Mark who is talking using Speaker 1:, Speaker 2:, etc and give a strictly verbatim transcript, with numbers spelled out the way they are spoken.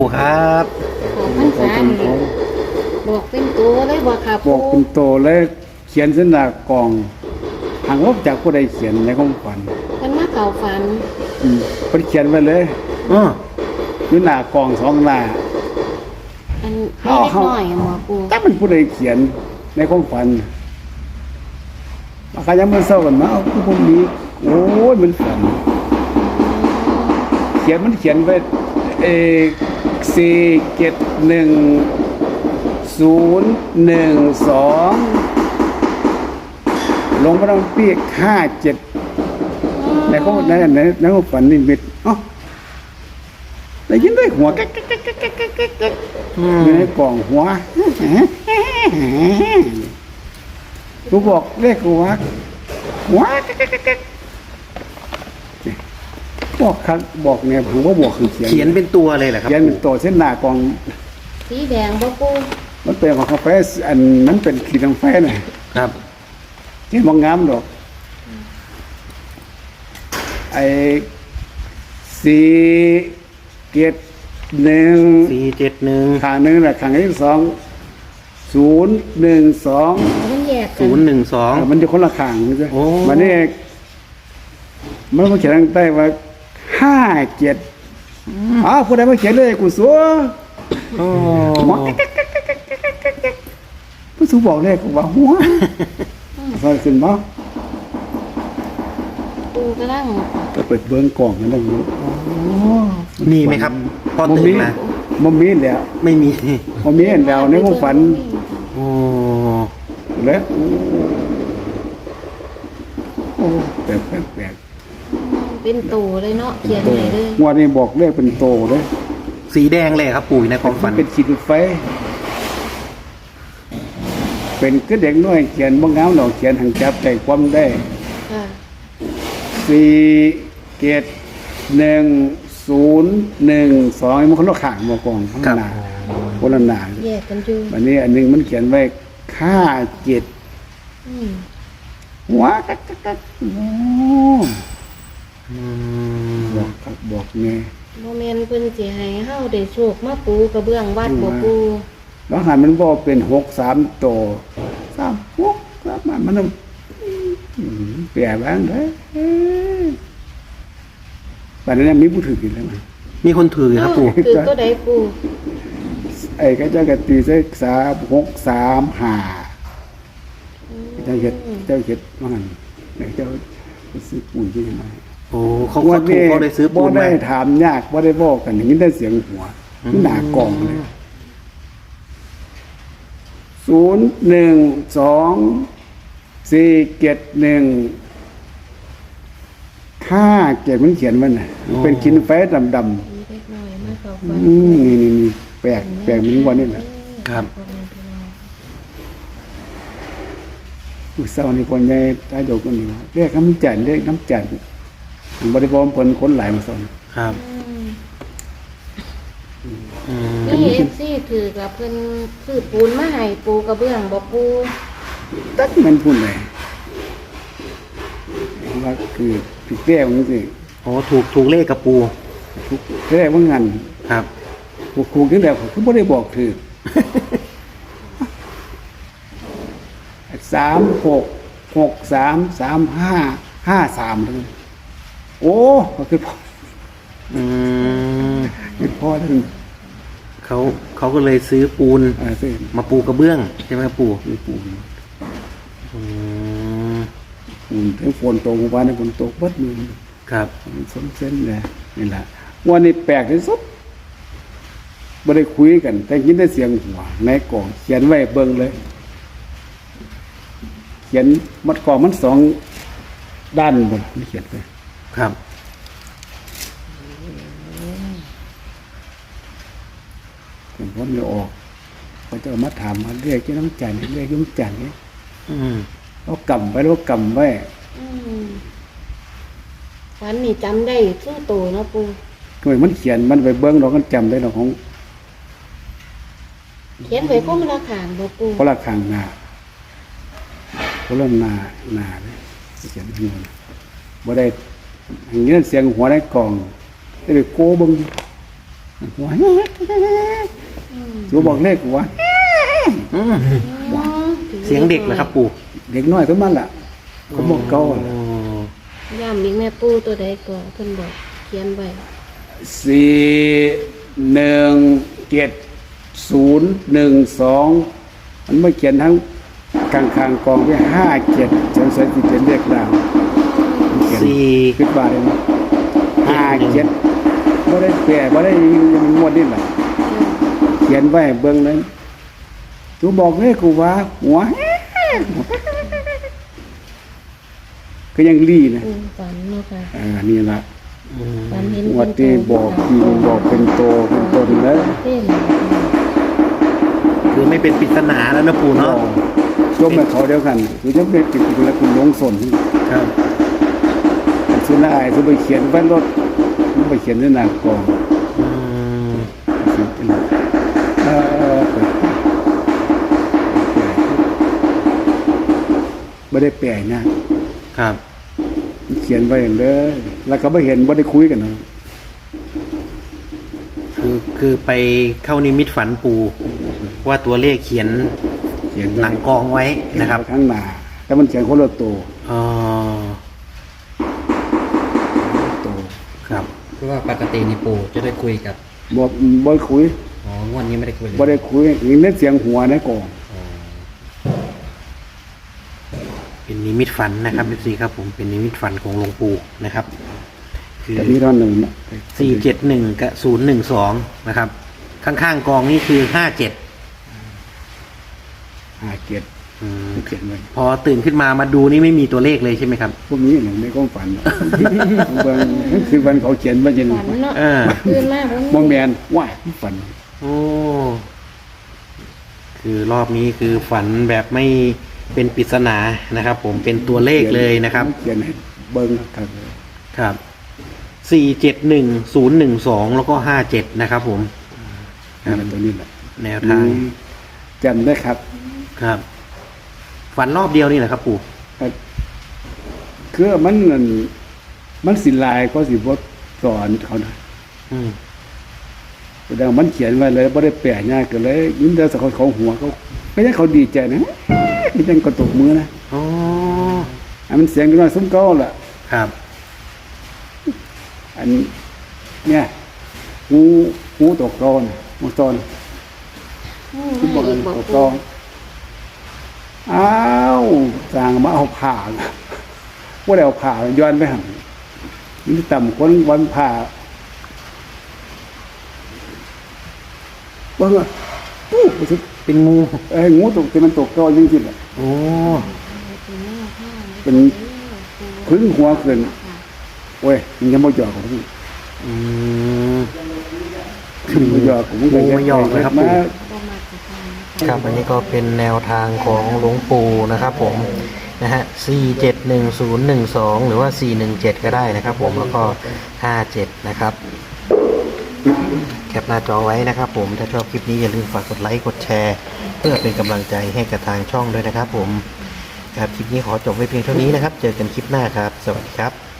Speaker 1: ครับ
Speaker 2: ขอพรรษานี่บอกเป็นตัวเลยบอกค่ะ
Speaker 3: บอกเป็นโตเลยเขียนเส้นหน้ากองหางว่าจากผู้ใดเขียนในความฝัน
Speaker 2: มันมาเข่าฝัน
Speaker 3: อืมเพิ่นเขียนไว้เลย
Speaker 1: เออ
Speaker 3: อยู่หน้ากองสองหน้า
Speaker 2: อันไม่เล็กน้อยหมอปู
Speaker 3: ถ้ามันผู้ใดเขียนในความฝันมาขยันมันเศร้ากันมาเอาผู้คนนี้โอ้ยมันฝัน เขียนมันเขียนไว้เอสี่เจ็ดหนึ่งศูนย์หนึ่งสองลงมาต้องปีกห้าเจ็ดในเขาในในในเขาฝันนิมิตเอ้าได้ยินได้หัวก๊กก๊กก๊กก๊กก๊กก๊กก๊กอยู่ในกล่องหัวกูบอกเลขหัวหัวก๊กก๊กก๊กก๊กบอกครับบอกเนี่ยผมว่าบอกคือเขียน
Speaker 1: เขียนเป็นตัวเลยเหรอครับ
Speaker 3: เขียนเป็นตัวเส้นหน้ากอง
Speaker 2: สีแดงบ่ปู
Speaker 3: มันเป็นของกาแฟอันนั้นเป็นขีดกาแฟน่ะ
Speaker 1: ครับ
Speaker 3: เขียนบางงามดอกไอ้สี่เจ็ดหนึ่ง
Speaker 1: สี่เจ็ดหนึ่ง
Speaker 3: ขางหนึ่งแหละขางที่สองศูนย์หนึ่งสอง
Speaker 2: มันแยกกั
Speaker 1: ศูนย์หนึ่งสอง
Speaker 3: มันจะคนละขางใช่
Speaker 1: โอ้
Speaker 3: มันนี่มันมาเขียนทางใต้ว่าห้าเจ็ดอ้าวผู้ใดมาเขียนเลยกูสัว
Speaker 1: โอ้
Speaker 3: ผู้สูบอกเลขกูว่าหัวซอยขึ้นมา
Speaker 2: ปูกำลัง
Speaker 3: ก็เปิดเบิ้งกล่องนั่นเอง
Speaker 1: มีไหมครับพอ
Speaker 3: บ่
Speaker 1: ตื่
Speaker 3: มี
Speaker 1: นมา
Speaker 3: บ่มีแล้ว
Speaker 1: ไม่มี
Speaker 3: บ่มีเห็นแล้วในความฝัน
Speaker 1: โอ้
Speaker 3: แล้วโอ้แปลกแปลกแปลก
Speaker 2: เป็นตัวเลยเนาะเขียน
Speaker 3: โต
Speaker 2: ไหนเลย
Speaker 3: งวดนี้บอกเลขเป็นโตเลย
Speaker 1: สีแดงเลยครับปู่ในความฝัน
Speaker 3: เป็นขีดไฟ เป็นก็เด็กน้อยเขียนบ่งามดอกเขียนหังจับใจความได้
Speaker 2: ค่ะ
Speaker 3: สี่เจ็ดหนึ่งศูนย์หนึ่งสองมันคนละข้างบ่กองข้างหน้าคนละหน้า
Speaker 2: แยกกันอยู่
Speaker 3: อันนี้อันหนึงมันเขียนไว้ค่าเจ็ด
Speaker 2: อืม
Speaker 3: หัวกักกักกักโอ้
Speaker 1: อื
Speaker 3: บ
Speaker 1: ม
Speaker 3: อกครับบอกไง
Speaker 2: โมเมนต์เพิ่นสิให้เฮาได้โชคมาปูกระเบื้องวัดบ่ปู
Speaker 3: บางหันมันบอกเป็นหกสามโตสามหกสามมันมันอืมแปลบ้างเลยปัจจุบันมีผู้ถือกินแล้วมั้ย
Speaker 1: มีคนถือครับปู่
Speaker 2: คือตัวใดปู
Speaker 3: ไอ้ก็เจ้ากตีใส่สามหกสามห้าเจ้าเห็ดเจ้าเห็ดว่างันไอ้เจ้าไปซื้อปุ๋ยที่ไหน
Speaker 1: โอ้เขาเขาถูกเขาได้ซื้อปู
Speaker 3: บ่
Speaker 1: นมา
Speaker 3: ได้ถามยากบ่ได้บอกกันอย่างนี้ได้เสียงหัวหน้ากล่องเลยศูนย์หนึ่งสองสี่เจ็ดหนึ่งห้าเจ็ดมันเขียนมันน่ะมันเป็นกินไฟดำดำ
Speaker 2: มีเล็กน้อยมาเข้าฝัน
Speaker 3: อืมนี่นี่นี่แปลกแปลกมันวันนี้แหละ
Speaker 1: ครับ
Speaker 3: อุตส่าห์นี่คนใหญ่ตาโยกกันนี่ว่าเรียกน้ำจันทร์เรียกน้ำจันทร์บริบทผลคนหลายมาสอน
Speaker 1: ครับ
Speaker 2: อืม
Speaker 1: อืม
Speaker 2: นี่เอฟซีถือกับเพิ่นซื้อปูนมาให้ปูกระเบื้องบ่ปู
Speaker 3: ตัดมันพูดเลยว่าคือผิดแก้วมันสิ
Speaker 1: โอ้ถูกถูกเลขกับปู
Speaker 3: ทุกแก้วว่างัน
Speaker 1: ครับ
Speaker 3: ผูกคูขึ้นแล้วผมไม่ได้บอกถือ สามหกหกสามสามห้าห้าสามเลยโอ้ก็คือพ่อ
Speaker 1: อืม
Speaker 3: คือพ่อท่าน
Speaker 1: เขาเขาก็เลยซื้อปูน
Speaker 3: อ่าเส้น
Speaker 1: มาปูกระเบื้องใช่ไหมครับปู่
Speaker 3: คือปูน
Speaker 1: อืม
Speaker 3: ปูนทั้งฝนตกเมื่อวานนี้ฝนตกเบิดมือ
Speaker 1: ครับ
Speaker 3: มันส้นเส้นเลยนี่แหละวันนี้แปลกที่สุดไม่ได้คุยกัน แต่ยินได้เสียงหัวในกล่องเขียนไว้เบิ่งเลย เขียนมัดกล่องมันสองด้านบนมันเขียนไป
Speaker 1: ครับ
Speaker 3: ผมพ้นเลยออกเขาจะเอามาถามมาเรียกเจ้าน้ำจันทร์เรียกเจ้าน้ำจันทร์นี่
Speaker 1: อืม
Speaker 3: เขากำไว้แล้วกำไว้
Speaker 2: อืมฝันนี่จำได้สู้โตเนาะปู
Speaker 3: ทำไมมันเขียนมันไปเบิ้งเราก็จำได้เราของ
Speaker 2: เขียนไว้ก็มันละขางบ่ปู
Speaker 3: คนละข้างหน้าคนละหน้าหน้าเลยเขียนหัวบ่ได้อย่างนี้เสียงหัวในกล่องได้ไปโก้เบิ้งหัว
Speaker 2: อืม
Speaker 3: กูบอกเลขกูว่า
Speaker 1: อืมเสียงเด็กเหรอครับปู่
Speaker 3: เด็กน้อยขึ้นมาล่ะเขาบอกเก่าล่ะ
Speaker 1: โอ้
Speaker 2: ย่ำอีกแม่ปูตัวใดก่อนเพิ่นบอกเขียนไว้
Speaker 3: สี่หนึ่งเจ็ดศูนย์หนึ่งสองมันไม่เขียนทั้งกลางคางกองไว้ห้าเจ็ดฉันใส่ที่เป็นเลขดาวมันเขียน
Speaker 1: สี่
Speaker 3: ขึ้นมาเลยนะห้าเจ็ดไม่ได้แปลไม่ได้งวดนี่แหละเขียนไว้เบื้องนั้นกูบอกเลยกูว่าหัวก็ยังรีนะ
Speaker 2: อืมฝันเนาะค่ะ
Speaker 3: อ่านี่ละ
Speaker 1: อืม
Speaker 2: ฝันเห็น
Speaker 3: งวดที่บอกที่บอกเป็นโตเป็นตนแล้ว
Speaker 2: เต้น
Speaker 1: คือไม่เป็นปริศนาแล้วนะปู่เนาะ
Speaker 3: ช่วงมาเขาเดียวกันคือจะเป็นติดแล้วคุณลงสน
Speaker 1: ครับ
Speaker 3: สุนัยสุไปเขียนไว้รถมันไปเขียนในหน้ากอง
Speaker 1: อืม
Speaker 3: เขียนเป็นเออเปิดไม่ได้แปลนะครับ เขียนไว้อย่างเด้อแล้วก็ไม่เห็นไม่ได้คุยกันนะ
Speaker 1: คือคือไปเข้านิมิตฝันปู่ว่าตัวเลขเขียน
Speaker 3: เขียนไว้
Speaker 1: หลังกองไว้นะครับ
Speaker 3: ข้างหน้าแต่มันเขียนคนละตัว
Speaker 1: อ๋อ
Speaker 3: ตัว
Speaker 1: ครับ
Speaker 4: คือว่าปกตินี่ปู่จะได้คุยกับ
Speaker 3: บ่บ่คุย
Speaker 4: อ๋องวดนี้ไม่ได้คุยเลย
Speaker 3: บ่ได้คุยอีกเน้นเสียงหัวในกอง
Speaker 4: อ๋อ
Speaker 1: เป็นนิมิตฝันนะครับเอฟซีครับผมเป็นนิมิตฝันของหลวงปู่นะครับ คือ
Speaker 3: แต่นี่ท่อนหนึ่งนะ
Speaker 1: สี่เจ็ดหนึ่งกับศูนย์หนึ่งสองนะครับ ข้างๆกองนี่คือห้าเจ็ด
Speaker 3: หาเกียรติเขียนไว้
Speaker 1: พอตื่นขึ้นมามาดูนี่ไม่มีตัวเลขเลยใช่ไหมครับ
Speaker 3: พวกนี้หนึ่งในความฝันบางคือวันเขาเขียนว่าจะ
Speaker 2: ฝันเนาะ
Speaker 1: เออ
Speaker 2: ตื่นมา
Speaker 3: โมแมนว่าฝัน
Speaker 1: โอ้คือรอบนี้คือฝันแบบไม่เป็นปริศนานะครับ ผมเป็นตัวเลขเลยนะครับ
Speaker 3: เขียนให้เบิ้งครับ
Speaker 1: ครับสี่เจ็ดหนึ่งศูนย์หนึ่งสองแล้วก็ห้าเจ็ดนะครับผม
Speaker 3: นั่นแหละตัวนี้แหละ
Speaker 1: แนวทาง
Speaker 3: จำได้ครับ
Speaker 1: ครับ ฝันรอบเดียวนี่แหละครับปู่
Speaker 3: คือมันนั่นมันสิลายก็สิบทสอนเขานะ
Speaker 1: อืม
Speaker 3: แสดงมันเขียนไว้เลยไม่ได้แปลง่ายกันเลยยิ้มเดียวสักคนเขาหัวเขาไม่ใช่เขาดีใจนะไม่ใช่กระตุกมือนะ
Speaker 1: อ๋อ
Speaker 3: อันมันเสียงน้อยซุ้มเก้าแหละ
Speaker 1: ครับ
Speaker 3: อันเนี่ยหูหูตกกอนหูตอน
Speaker 2: อืม
Speaker 3: หูบอก
Speaker 2: อี
Speaker 3: อัน
Speaker 2: กบอก
Speaker 3: ตกก
Speaker 2: ปู
Speaker 3: อนอ้าวจางมาเอาผ่าว่าได้เอาผ่าย้อนไปหันนี่ต่ำคนวันผ่าว่าไงปุ๊บไปสิ
Speaker 1: เป็นงู
Speaker 3: เอ้ยงูตกที่มันตกกอนจริงๆแหละ
Speaker 1: โอ้
Speaker 3: เป็นพึ่งหัวเกินโอ้ยมันยังไม่หยอกของพี่
Speaker 1: อืม
Speaker 3: ไม่หยอกผม
Speaker 1: งูไม่หยอกเลยครับปู่
Speaker 3: มา
Speaker 2: บ่มักจะทำ
Speaker 1: ครับอันนี้ก็เป็นแนวทางของหลวงปู่นะครับผมนะฮะสี่เจ็ดหนึ่งศูนย์หนึ่งสองหรือว่าสี่หนึ่งเจ็ดก็ได้นะครับผมแล้วก็ห้าเจ็ดนะครับแคปหน้าจอไว้นะครับผมถ้าชอบคลิปนี้อย่าลืมฝากกดไลค์กดแชร์เพื่อเป็นกำลังใจให้กับทางช่องด้วยนะครับผมครับคลิปนี้ขอจบไว้เพียงเท่านี้นะครับ เจอกันคลิปหน้าครับ สวัสดีครับ